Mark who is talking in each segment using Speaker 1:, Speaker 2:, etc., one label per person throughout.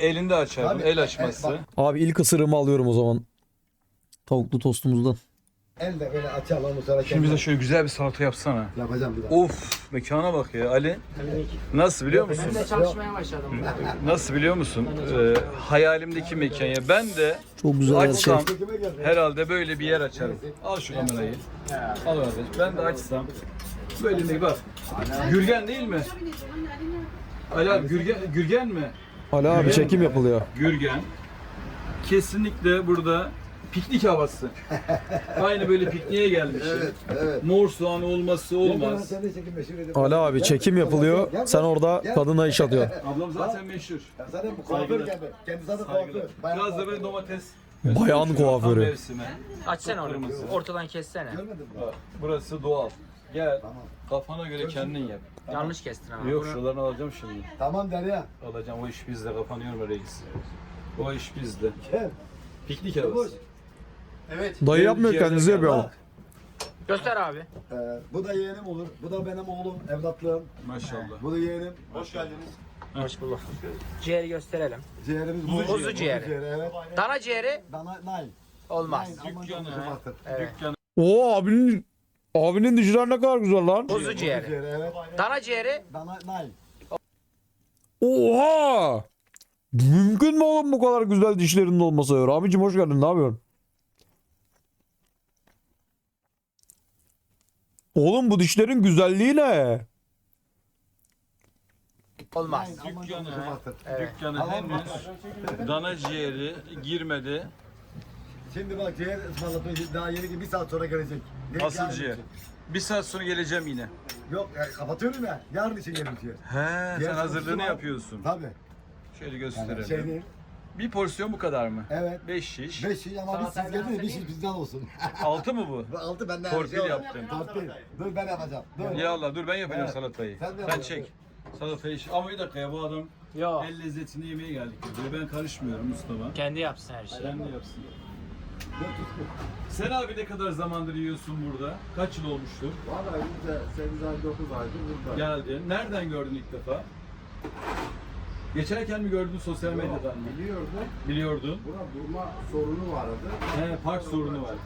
Speaker 1: elinde açar.
Speaker 2: Tabii,
Speaker 1: El açması.
Speaker 2: bak.
Speaker 3: Abi ilk ısırığımı alıyorum o zaman. Tavuklu tostumuzdan.
Speaker 2: Elle böyle açalım bu sonra.
Speaker 1: Şimdi bize şöyle güzel bir salata yapsana.
Speaker 2: Yapacağım bir daha.
Speaker 1: Of, mekana bak ya Ali. Nasıl biliyor musun?
Speaker 4: Ben de çalışmaya başladım.
Speaker 1: Nasıl biliyor musun? Hayalimdeki mekan ya. Ben de
Speaker 3: Çok güzel her şey.
Speaker 1: açsam herhalde böyle bir yer açarım. Al şu kamerayı. Al kardeş. Ben de açsam böyle bir bak. Gürgen değil mi? Ali abi Gürgen mi?
Speaker 3: Ali abi çekim yapılıyor.
Speaker 1: Gürgen. Kesinlikle burada piknik havası. Aynı böyle pikniğe gelmiş.
Speaker 2: Evet.
Speaker 1: Mor soğan olması olmaz.
Speaker 2: Sen de çekim meşhur edin.
Speaker 3: Ali abi çekim yapılıyor. Sen orada kadına iş atıyorsun.
Speaker 1: Ablam zaten meşhur.
Speaker 2: Zaten bu kuaför kendi zaten kuaför.
Speaker 1: Biraz da böyle domates.
Speaker 3: Bayan
Speaker 1: Tam
Speaker 3: kuaförü.
Speaker 1: mevsimi.
Speaker 4: Açsana onu.
Speaker 1: Kırmızı.
Speaker 4: Ortadan kessene.
Speaker 2: Görmedin mi?
Speaker 1: Bak, burası doğal. Gel.
Speaker 2: Tamam.
Speaker 1: Kafana göre kendin yap.
Speaker 4: Yanlış kestin ama.
Speaker 1: Yok şuralarını alacağım şimdi.
Speaker 2: Tamam Derya.
Speaker 1: Alacağım, o iş bizde, kafanı yorma reis. O iş bizde.
Speaker 2: Gel.
Speaker 1: Piknik havası.
Speaker 3: Dayı yapmıyor kendinizi yapıyor ama.
Speaker 4: Göster abi.
Speaker 2: Bu da yeğenim olur. Bu da benim oğlum, evlatlığım.
Speaker 1: Maşallah.
Speaker 2: Bu da yeğenim.
Speaker 4: Hoş bulduk. Ciğeri gösterelim.
Speaker 2: Ciğerimiz
Speaker 4: Kuzu ciğeri.
Speaker 2: Evet.
Speaker 4: Dana ciğeri
Speaker 2: Dana Nine.
Speaker 4: olmaz.
Speaker 1: Dükkanı.
Speaker 4: Evet.
Speaker 1: Dükkanı.
Speaker 3: Oo abinin dişler ne kadar güzel lan.
Speaker 4: Kuzu ciğeri.
Speaker 2: Evet.
Speaker 4: Dana ciğeri
Speaker 2: Dana Nine.
Speaker 3: Oha! Mümkün mü oğlum bu kadar güzel dişlerinin olması ya? Abicim hoş geldin, ne yapıyorsun? Oğlum bu dişlerin güzelliği ne?
Speaker 4: olmaz.
Speaker 1: Dükkanı.
Speaker 4: Evet.
Speaker 1: Dükkanı henüz dana ciğeri girmedi.
Speaker 2: Şimdi bak ciğer ısmarladım. Daha yeni gibi bir saat sonra gelecek. Ne-
Speaker 1: Asıl
Speaker 2: yarın
Speaker 1: ciğer.
Speaker 2: için.
Speaker 1: Bir saat sonra geleceğim yine.
Speaker 2: Yok kapatıyorum ya. Yarın için yerim ciğer.
Speaker 1: He,
Speaker 2: Ciğer
Speaker 1: sen hazırlığını
Speaker 2: sosu var.
Speaker 1: yapıyorsun.
Speaker 2: Tabii.
Speaker 1: Şöyle
Speaker 2: Yani
Speaker 1: gösterelim.
Speaker 2: şey değil.
Speaker 1: Bir porsiyon bu kadar mı?
Speaker 2: Evet.
Speaker 1: 5 şiş.
Speaker 2: 5 şiş ama biz siz geldiniz bir şiş bizden olsun.
Speaker 1: 6 mı bu?
Speaker 2: Bu 6 benden.
Speaker 1: Torpil yaptım.
Speaker 2: Torpil. Dur ben yapacağım. Dur.
Speaker 1: Ya Allah dur ben yapacağım
Speaker 2: Evet.
Speaker 1: salatayı.
Speaker 2: Sen de
Speaker 1: Sen
Speaker 2: yapacaksın.
Speaker 1: çek. Salatayı ama bir dakika ya bu adam
Speaker 4: Yok.
Speaker 1: el lezzetini yemeye geldik diyor. Ben karışmıyorum Mustafa.
Speaker 4: Kendi yapsın her şeyi.
Speaker 1: Sen de yapsın. Sen abi ne kadar zamandır yiyorsun burada? Kaç yıl olmuştur?
Speaker 5: Vallahi biz de 8 ay 9 aydır burada.
Speaker 1: Geldin. Nereden gördün ilk defa? Geçerken mi gördün sosyal medyadan mı?
Speaker 5: Biliyordum.
Speaker 1: Biliyordun.
Speaker 5: Buna durma sorunu vardı.
Speaker 1: He, park sorunu var.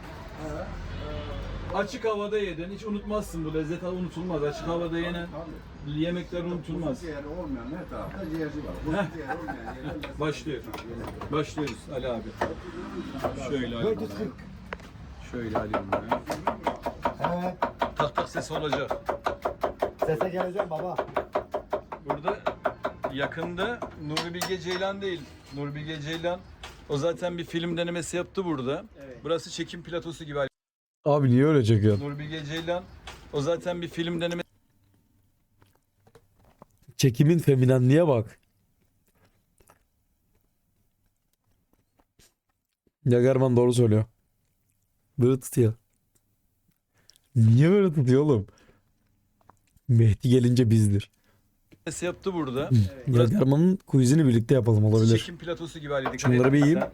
Speaker 1: Açık havada yedin. Hiç unutmazsın bu lezzet unutulmaz. Açık havada yenen yemekler unutulmaz.
Speaker 5: Ciğeri olmayan her tarafta ciğerci var. Kuzu ciğeri olmayan yerler.
Speaker 1: Başlıyor. Başlıyoruz Ali abi. Şöyle alayım.
Speaker 2: 440.
Speaker 1: Şöyle alayım ben.
Speaker 2: Evet.
Speaker 1: Tak tak ses olacak.
Speaker 2: Sese geleceğim baba.
Speaker 1: Burada yakında Nuri Bilge Ceylan değil. Nuri Bilge Ceylan o zaten bir film denemesi yaptı burada. Burası çekim platosu gibi.
Speaker 3: Abi niye öyle çekiyorsun?
Speaker 1: Nuri Bilge Ceylan o zaten bir film denemesi.
Speaker 3: Çekimin feminenliğe bak. Yagerman doğru söylüyor. Böyle tutuyor. Niye böyle tutuyor oğlum? Mehdi gelince bizdir.
Speaker 1: yaptı burada.
Speaker 3: Yagerman'ın quizini birlikte yapalım, olabilir.
Speaker 1: Çekim platosu gibi halde.
Speaker 3: Şunları bir yiyeyim.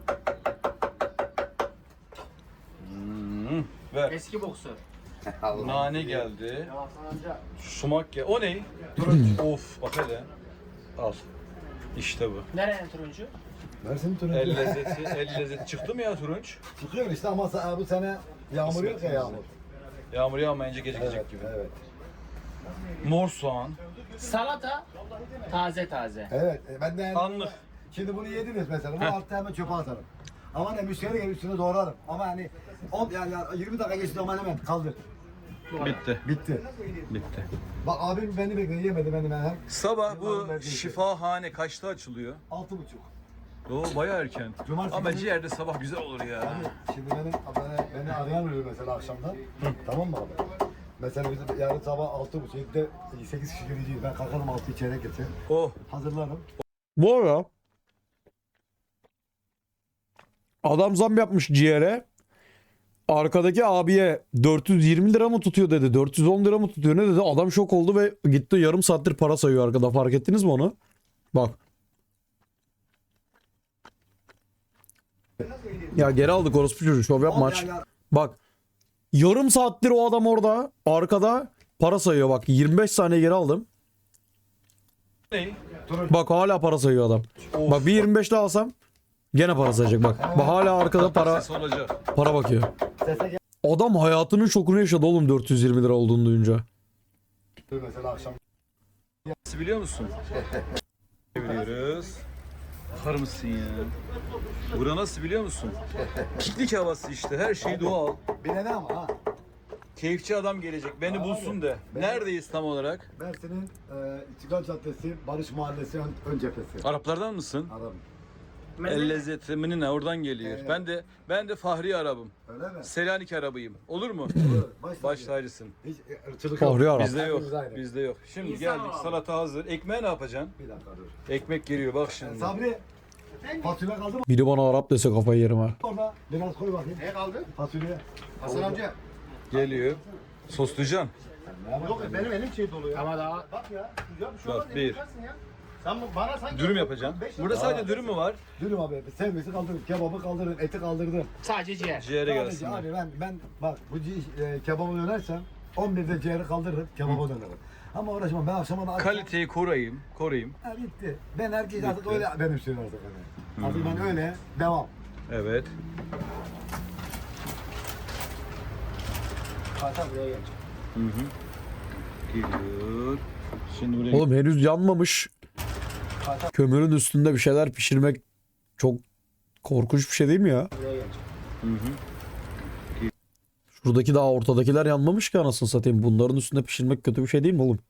Speaker 1: Ver.
Speaker 4: Eski boksör.
Speaker 1: Nane geldi. Sumak geldi. O ne? Of bak hele. Al. İşte bu.
Speaker 4: Nerenin turuncu?
Speaker 2: Versin turuncu.
Speaker 1: El lezzeti, el lezzeti çıktı mı ya turunç?
Speaker 2: Çıkıyor işte ama bu sene yağmur yok ya yağmur.
Speaker 1: Yağmur yağmayınca gecikecek gibi.
Speaker 2: Evet.
Speaker 1: Mor soğan.
Speaker 4: Salata taze taze.
Speaker 2: Evet. Ben de
Speaker 1: Anlık.
Speaker 2: şimdi bunu yediniz mesela. Bu altta hemen çöpe atarım. Ama ne müşteri gelir üstüne doğrarım. Ama hani 10 yani 20 dakika geçti ama hemen kaldır.
Speaker 1: Bitti.
Speaker 2: Bitti.
Speaker 1: Bitti.
Speaker 2: Bak abim beni bekliyor yemedi beni ben.
Speaker 1: Sabah bu şifahane kaçta açılıyor?
Speaker 2: 6.30.
Speaker 1: Oo bayağı erken.
Speaker 2: Cumartesi
Speaker 1: Ama
Speaker 2: günü-
Speaker 1: ciğerde sabah güzel olur ya.
Speaker 2: Şimdi beni arayan oluyor mesela akşamdan. Tamam mı abi? Mesela biz yarın sabah 6.30 7'de 8 kişi gireceğiz. Ben kalkarım 6 çeyrek geçer.
Speaker 1: Oh.
Speaker 2: Hazırlarım.
Speaker 3: Bu ara adam zam yapmış ciğere. Arkadaki abiye 420 lira mı tutuyor dedi. 410 lira mı tutuyor ne dedi. Adam şok oldu ve gitti yarım saattir para sayıyor arkada. Fark ettiniz mi onu? Bak. Ya geri aldık orospu çocuğu, şov yapma aç. Bak. Yarım saattir o adam orada arkada para sayıyor bak. 25 saniye geri aldım.
Speaker 1: Ne?
Speaker 3: Bak hala para sayıyor adam. Bak bir 25 daha alsam gene para sayacak bak. Bak hala arkada
Speaker 1: Ses olacak.
Speaker 3: para bakıyor.
Speaker 2: Sese gel.
Speaker 3: Adam hayatının şokunu yaşadı oğlum 420 lira olduğunu duyunca.
Speaker 2: Mesela akşam.
Speaker 1: Nasıl biliyor musun? Biliyoruz. Bakar mısın ya? Bura nasıl biliyor musun? Piknik havası işte. Her şey doğal.
Speaker 2: Bilene ama ha.
Speaker 1: Keyifçi adam gelecek. Beni bulsun de. Neredeyiz tam olarak?
Speaker 2: Mersin'in İstiklal Caddesi, Barış Mahallesi ön cephesi.
Speaker 1: Araplardan mısın?
Speaker 2: Arabım.
Speaker 1: El lezzetimi ne oradan geliyor.
Speaker 2: Evet.
Speaker 1: Ben de Fahri Arabım.
Speaker 2: Öyle mi?
Speaker 1: Selanik Arabıyım. Olur mu?
Speaker 2: Baş
Speaker 1: Baş tacısın.
Speaker 2: Hiç ırkçılık
Speaker 3: Fahri Arap.
Speaker 1: Bizde yok.
Speaker 2: Hepimiz aynı.
Speaker 1: Bizde yok. Şimdi
Speaker 4: İnsan
Speaker 1: geldik.
Speaker 4: olalım.
Speaker 1: Salata hazır. Ekmeğe ne yapacaksın?
Speaker 2: Bir dakika dur.
Speaker 1: Ekmek geliyor bak şimdi.
Speaker 2: Sabri, fasulye kaldı mı
Speaker 3: Biri bana Arap dese kafayı yerim ha.
Speaker 2: orada? Biraz koy bakayım.
Speaker 5: Ne kaldı?
Speaker 2: Fasulye.
Speaker 5: Hasan amca.
Speaker 1: Geliyor. Soslayacaksın.
Speaker 5: Yok benim elim şey dolu ya.
Speaker 4: Ama daha
Speaker 5: Bak ya. Ya bir şey
Speaker 1: Bak,
Speaker 5: olmaz.
Speaker 1: bir.
Speaker 5: yapacaksın ya. Sen bana sanki...
Speaker 1: Dürüm yapacaksın. Burada sadece dürüm mü var?
Speaker 2: Dürüm abi. Sevmesi kaldırdım. Kebabı kaldırdım. Eti kaldırdım.
Speaker 4: sadece ciğer.
Speaker 1: Ciğere
Speaker 2: Sadece
Speaker 1: gelsin.
Speaker 2: abi ben bak bu kebabı dönersem 11'de ciğeri kaldırırım. Kebaba dönerim. Ama uğraşmam. Ben akşama da
Speaker 1: Kaliteyi koruyayım.
Speaker 2: Ha, bitti. Ben herkes artık
Speaker 1: Bitti.
Speaker 2: öyle benimsiyorum artık. Hani. Artık ben öyle devam.
Speaker 1: Evet.
Speaker 4: Hatta buraya gelecek.
Speaker 1: Hı hı. Geliyor. Şimdi buraya
Speaker 3: Oğlum henüz yanmamış. Kömürün üstünde bir şeyler pişirmek çok korkunç bir şey değil mi ya?
Speaker 4: Buraya gelecek.
Speaker 1: Hı hı.
Speaker 3: Şuradaki daha ortadakiler yanmamış ki anasını satayım. Bunların üstünde pişirmek kötü bir şey değil mi oğlum?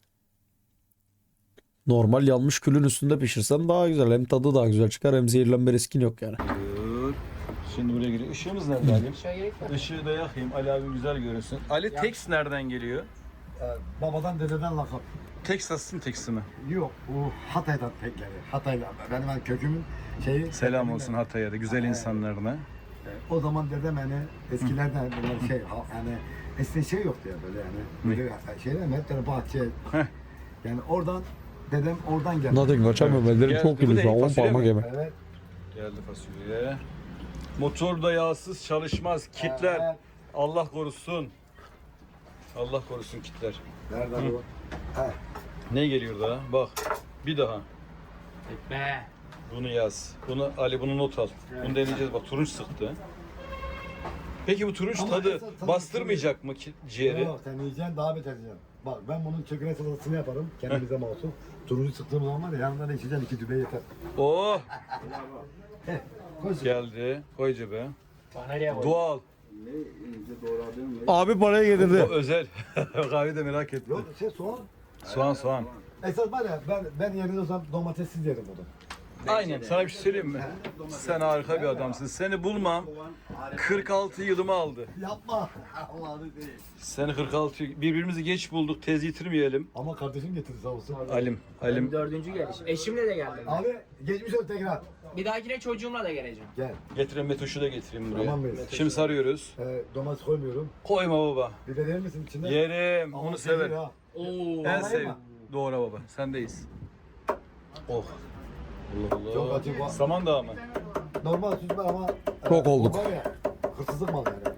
Speaker 3: Normal yanmış külün üstünde pişirsen daha güzel. Hem tadı daha güzel çıkar hem zehirlenme riskin yok yani.
Speaker 1: Geliyor. Şimdi buraya giriyor. Işığımız nerede Ali?
Speaker 4: Aşağı gerek yok.
Speaker 1: Işığı da yakayım. Ali abi güzel görünsün. Ali Tex nereden geliyor?
Speaker 2: Babadan dededen lakap.
Speaker 1: Texas'ın Tex'i mi?
Speaker 2: Yok bu Hatay'dan tek geliyor. Hatay'la. Ben kökümün şeyi.
Speaker 1: Selam olsun Hatay'a da güzel insanlarına.
Speaker 2: O zaman dedem hani eskilerden böyle şey yani eskiden şey yoktu ya böyle yani. Böyle şeyler mi? Hep böyle bahçe.
Speaker 1: Heh.
Speaker 2: Yani oradan dedem oradan geldi.
Speaker 3: Nothing kaçamıyorum. Ellerim
Speaker 1: Geldi.
Speaker 3: çok
Speaker 1: Bu
Speaker 3: kirli
Speaker 1: ne?
Speaker 3: şu an. 10
Speaker 1: Fasulye
Speaker 3: parmak
Speaker 1: mi?
Speaker 3: yeme.
Speaker 2: Evet.
Speaker 1: Geldi fasulye. Motor da yağsız çalışmaz. Kitler.
Speaker 2: Evet.
Speaker 1: Allah korusun. Allah korusun kitler.
Speaker 2: Nereden bu? He.
Speaker 1: Ne geliyor daha? Bak. Bir daha.
Speaker 4: Be.
Speaker 1: Bunu yaz. Bunu not al. Bunu deneyeceğiz. Bak turunç sıktı. Peki bu turunç
Speaker 2: Ama
Speaker 1: tadı
Speaker 2: esas tadı
Speaker 1: bastırmayacak mı ciğeri?
Speaker 2: Yok sen yiyeceksin daha beter yiyeceksin. Bak ben bunun çöküne salatasını yaparım. Kendimize mahsus. Turuncu sıktığım zaman var ya yanından içeceksin 2 dübe yeter.
Speaker 1: Oh
Speaker 2: Koy.
Speaker 1: geldi. Koy cebe.
Speaker 4: Bana nereye koy?
Speaker 1: Doğal.
Speaker 5: Ne ince doğradığım ne?
Speaker 3: Abi parayı
Speaker 1: O
Speaker 3: getirdi.
Speaker 1: özel. Kahve de merak etme.
Speaker 2: Yok soğan.
Speaker 1: Soğan.
Speaker 2: Esas var ya ben yerinde olsam domatessiz yerim bunu.
Speaker 1: Aynen. Sana bir şey söyleyeyim mi? Sen harika bir adamsın. Seni bulmam 46 yılımı aldı.
Speaker 2: Yapma. Allah'ını değil.
Speaker 1: Seni 46 birbirimizi geç bulduk. Tez yitirmeyelim.
Speaker 2: Ama kardeşim getirdi sağ olsun.
Speaker 1: Alim.
Speaker 4: Benim dördüncü geliş. Eşimle de geldim.
Speaker 2: Abi geçmiş ol tekrar.
Speaker 4: Bir dahakine çocuğumla da geleceğim.
Speaker 2: Gel.
Speaker 1: Getireyim Metoş'u da getireyim buraya.
Speaker 2: Tamam mıyız?
Speaker 1: Şimdi sarıyoruz.
Speaker 2: Domates koymuyorum.
Speaker 1: Koyma baba.
Speaker 2: Biber yer misin içinde?
Speaker 1: Yerim.
Speaker 2: Ama
Speaker 1: Onu
Speaker 2: sever
Speaker 1: sever.
Speaker 2: ha.
Speaker 4: Oo.
Speaker 1: En
Speaker 2: Vallahi
Speaker 1: sev.
Speaker 2: mi?
Speaker 1: Doğru baba. Sendeyiz. Oh. Allah
Speaker 2: Çok
Speaker 1: Allah.
Speaker 2: acı var.
Speaker 1: Samandağ mı?
Speaker 2: Normal süzme ama
Speaker 3: Çok olduk.
Speaker 2: o var ya, hırsızlık mal yani.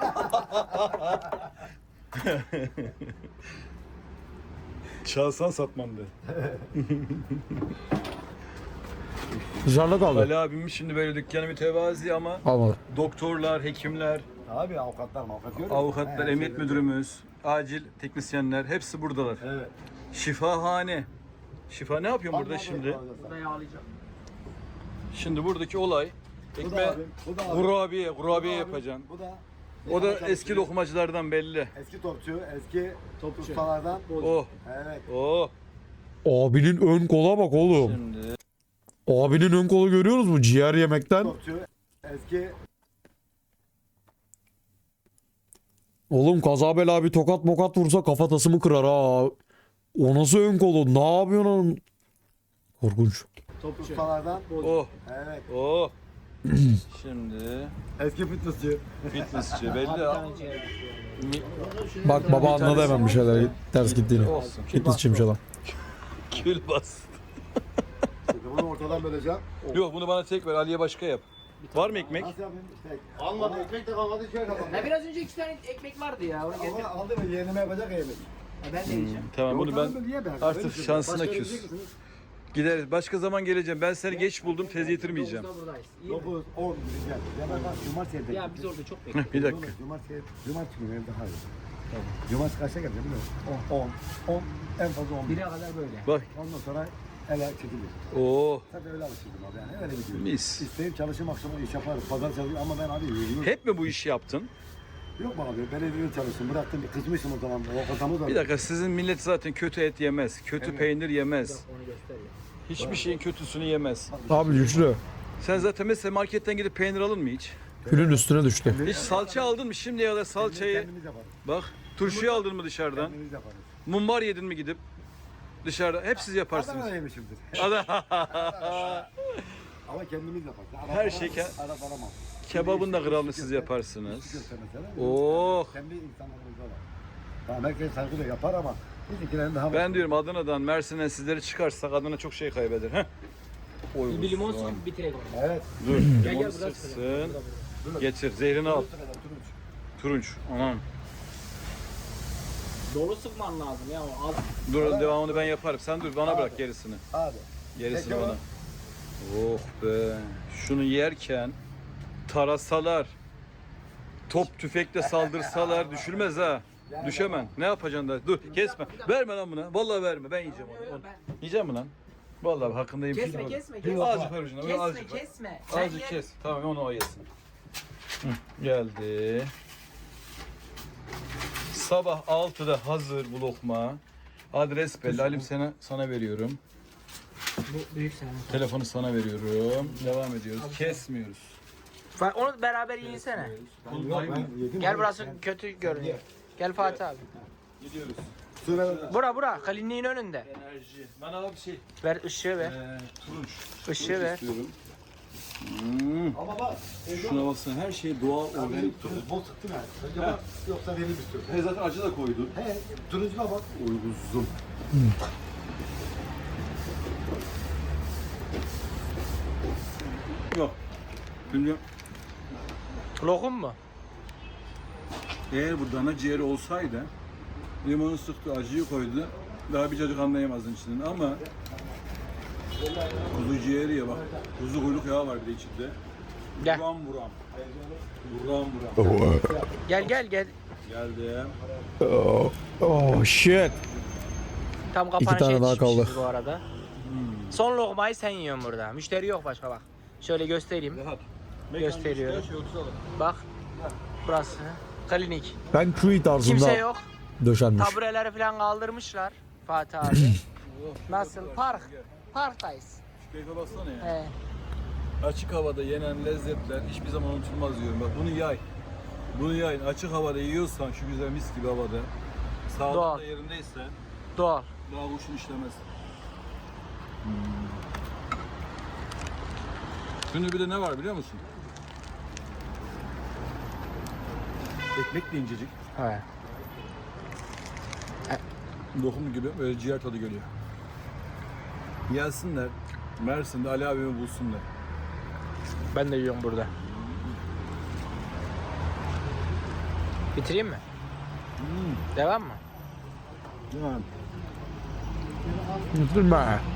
Speaker 1: Çalsan satmam de.
Speaker 3: Dışarıda kaldı.
Speaker 1: Ali abimin şimdi böyle dükkanı mütevazi ama
Speaker 3: Almadı.
Speaker 1: doktorlar, hekimler,
Speaker 2: Abi avukatlar görüyor musun?
Speaker 1: avukatlar,
Speaker 2: He,
Speaker 1: emniyet
Speaker 2: şeyleri-
Speaker 1: müdürümüz, acil teknisyenler hepsi buradalar.
Speaker 2: Evet.
Speaker 1: Şifahane. Şifa ne yapıyorsun burada
Speaker 2: Anladım,
Speaker 1: şimdi?
Speaker 2: anladım.
Speaker 4: Burada yağlayacağım.
Speaker 1: Şimdi buradaki olay
Speaker 2: Bu da
Speaker 1: ekmeğe
Speaker 2: abi, bu da abi.
Speaker 1: kurabiye
Speaker 2: Bu da abi,
Speaker 1: yapacaksın.
Speaker 2: Bu da
Speaker 1: O da eski lokmacılardan belli.
Speaker 2: eski topçu, eski ustalardan.
Speaker 1: Oh,
Speaker 2: Evet.
Speaker 1: oh.
Speaker 3: Abinin ön kola bak oğlum.
Speaker 1: Şimdi
Speaker 3: Abinin ön kolu görüyoruz mu? Ciğer yemekten.
Speaker 2: Topçu, eski
Speaker 3: Oğlum kaza bela bir tokat mokat vursa kafatasımı kırar ha. O nasıl ön kolu? Ne yapıyorsun oğlum? Korkunç.
Speaker 2: ustalardan.
Speaker 1: oh,
Speaker 2: Evet.
Speaker 1: oh. Şimdi
Speaker 2: Eski fitnessçi.
Speaker 1: fitnessçi belli.
Speaker 4: Tane ciğer.
Speaker 3: Bak baba anladı hemen bir şeyler ters gittiğini.
Speaker 1: Olsun.
Speaker 3: Fitnessçiymiş adam.
Speaker 1: Kül bas.
Speaker 2: Şimdi bunu ortadan böleceğim.
Speaker 1: Yok bunu bana tek ver. Ali'ye başka yap. Var mı ekmek?
Speaker 2: Nasıl yapayım? İşte.
Speaker 5: Almadı ekmek de kalmadı şey kalmadı.
Speaker 4: Ya biraz önce 2 tane ekmek vardı ya. Onu getirdim.
Speaker 2: Ama aldı mı yeğenime yapacak ya yemek.
Speaker 4: Ben de yiyeceğim.
Speaker 1: Tamam bunu ben
Speaker 2: Ortadan böl, ye be.
Speaker 1: artık
Speaker 2: Öyle bir şey.
Speaker 1: şansına
Speaker 2: Başka
Speaker 1: küs.
Speaker 2: yiyecek misiniz?
Speaker 1: Gideriz. Başka zaman geleceğim. Ben seni geç buldum. Tez getirmeyeceğim.
Speaker 4: 9'da buradayız. İyi mi?
Speaker 2: 9, 10 gel. Ya ben cumartesi evde.
Speaker 4: Ya biz orada çok bekliyoruz.
Speaker 1: Bir dakika.
Speaker 2: Cumartesi günü evde hayır. Cumartesi kaçta geleceğim biliyor musun? 10 en fazla 11.
Speaker 4: 1'e kadar böyle.
Speaker 1: Bak.
Speaker 2: Ondan sonra ele çekilir.
Speaker 1: Oo.
Speaker 2: Tabii öyle alışırdım abi yani öyle gidiyorum.
Speaker 1: Mis.
Speaker 2: İsteyip çalışayım akşama iş yaparım. Pazar çalışıyorum ama ben abi yürüyorum.
Speaker 1: Hep mi bu işi yaptın?
Speaker 2: Yok mu abi belediyede çalıştım bıraktım kızmışım o zaman o kafamı da.
Speaker 1: Bir dakika, sizin millet zaten kötü et yemez. Kötü peynir yemez.
Speaker 4: Onu göster ya.
Speaker 1: Hiçbir şeyin kötüsünü yemez.
Speaker 3: Abi güçlü.
Speaker 1: Sen zaten mesela marketten gidip peynir alın mı hiç?
Speaker 3: Külün üstüne düştü.
Speaker 1: Hiç salça aldın mı? Şimdiye kadar salçayı
Speaker 2: Kendimiz yaparız.
Speaker 1: bak, turşuyu aldın mı dışarıdan?
Speaker 2: Kendimiz yaparız.
Speaker 1: Mumbar yedin mi gidip dışarıda? Hep siz yaparsınız.
Speaker 2: Adana yemişimdir. Ama kendimiz yaparız.
Speaker 1: Her şey
Speaker 2: Arap aramam.
Speaker 1: Kebabın da kralını siz yaparsınız.
Speaker 2: Göster mesela.
Speaker 1: Oh.
Speaker 2: Kendi insanlarımızda var. Tamam herkes saygıyla yapar ama bizimkilerin daha
Speaker 1: Ben diyorum Adana'dan, Mersin'den sizleri çıkarsak Adana çok şey kaybeder. Heh. Oy,
Speaker 4: Bir limon sık bitirek onu.
Speaker 2: Evet.
Speaker 1: Dur,
Speaker 4: Gel
Speaker 1: limonu
Speaker 4: burası.
Speaker 1: sıksın. Getir, zehrini al. Turunç, anam.
Speaker 4: Dolu sıkman lazım ya o az.
Speaker 1: Dur, devamını ben yaparım. Sen dur, bana bırak gerisini.
Speaker 2: Abi.
Speaker 1: Gerisini
Speaker 2: Peki
Speaker 1: bana. Oh be. Şunu yerken tarasalar, top tüfekle saldırsalar düşürmez ha. Düşemem. Ne yapacaksın da? Dur, kesme. Verme lan buna. Vallahi verme. Ben yiyeceğim onu. Yiyeceğim mi lan? Vallahi hakkındayım.
Speaker 4: Kesme kesme kesme.
Speaker 1: Azıcık ver ucuna.
Speaker 4: Kesme
Speaker 1: Azıcık ver.
Speaker 4: kesme. Sen
Speaker 1: Azıcık
Speaker 4: ye.
Speaker 1: kes. Tamam, onu o yesin. Hı, geldi. Sabah 6'da hazır bu lokma. Adres belli. Halim sana veriyorum.
Speaker 4: Bu büyük senin.
Speaker 1: Telefonu sana veriyorum. Devam ediyoruz. Kesmiyoruz.
Speaker 4: Onu beraber yiyinsene. Gel burası kötü görünüyor. Gel Fatih abi.
Speaker 1: Gidiyoruz.
Speaker 4: Bura Kalinliğin önünde.
Speaker 1: Enerji. Bana bir şey.
Speaker 4: Ver ışığı ver.
Speaker 1: Turunç.
Speaker 4: Işığı ver.
Speaker 1: İstiyorum.
Speaker 2: Ama bak.
Speaker 1: Şuna baksana, her şey doğal organik.
Speaker 2: Bol sıktın ha. Acaba yoksa verir bir sürü.
Speaker 1: Zaten acı da koydun.
Speaker 2: He. Turuncuna bak. Uyguzum.
Speaker 1: Yok. Şimdi
Speaker 4: Lokum mu?
Speaker 1: eğer bu dana ciğeri olsaydı limonu sıktı, acıyı koydu. Daha bir cacık anlayamazdın içinden ama kuzu ciğeri ya bak. Kuzu kuyruk yağı var bir de içinde.
Speaker 4: Gel.
Speaker 1: Buram buram. Buram buram.
Speaker 4: Gel.
Speaker 1: Geldi.
Speaker 3: Oh shit.
Speaker 4: Tam
Speaker 3: İki
Speaker 4: kapanışa
Speaker 3: tane daha
Speaker 4: yetişmişiz
Speaker 3: kaldı.
Speaker 4: bu arada. Son lokmayı sen yiyorsun burada. Müşteri yok başka bak. Şöyle göstereyim.
Speaker 1: Rahat.
Speaker 4: Gösteriyorum.
Speaker 1: Şey yoksa alın.
Speaker 4: Bak. Burası. Klinik.
Speaker 3: Ben Chewy tarzında
Speaker 4: Kimse yok.
Speaker 3: döşenmiş.
Speaker 4: Tabureleri falan kaldırmışlar. Fatih abi. Nasıl? Parktayız.
Speaker 1: Şu keyfe baksana ya.
Speaker 4: He.
Speaker 1: Açık havada yenen lezzetler hiçbir zaman unutulmaz diyorum. Bak bunu yay. Bunu yayın. Açık havada yiyorsan şu güzel mis gibi havada. Sağlığın
Speaker 4: Doğal.
Speaker 1: da yerindeyse
Speaker 4: Doğal.
Speaker 1: daha kurşun işlemez. Şimdi bir de ne var biliyor musun? Ekmek de incecik.
Speaker 4: He.
Speaker 1: Lokum gibi böyle ciğer tadı geliyor. Gelsinler. Mersin'de Ali abimi bulsunlar.
Speaker 4: Ben de yiyorum burada. Bitireyim mi? Devam mı?
Speaker 1: Yani
Speaker 3: Bitirme.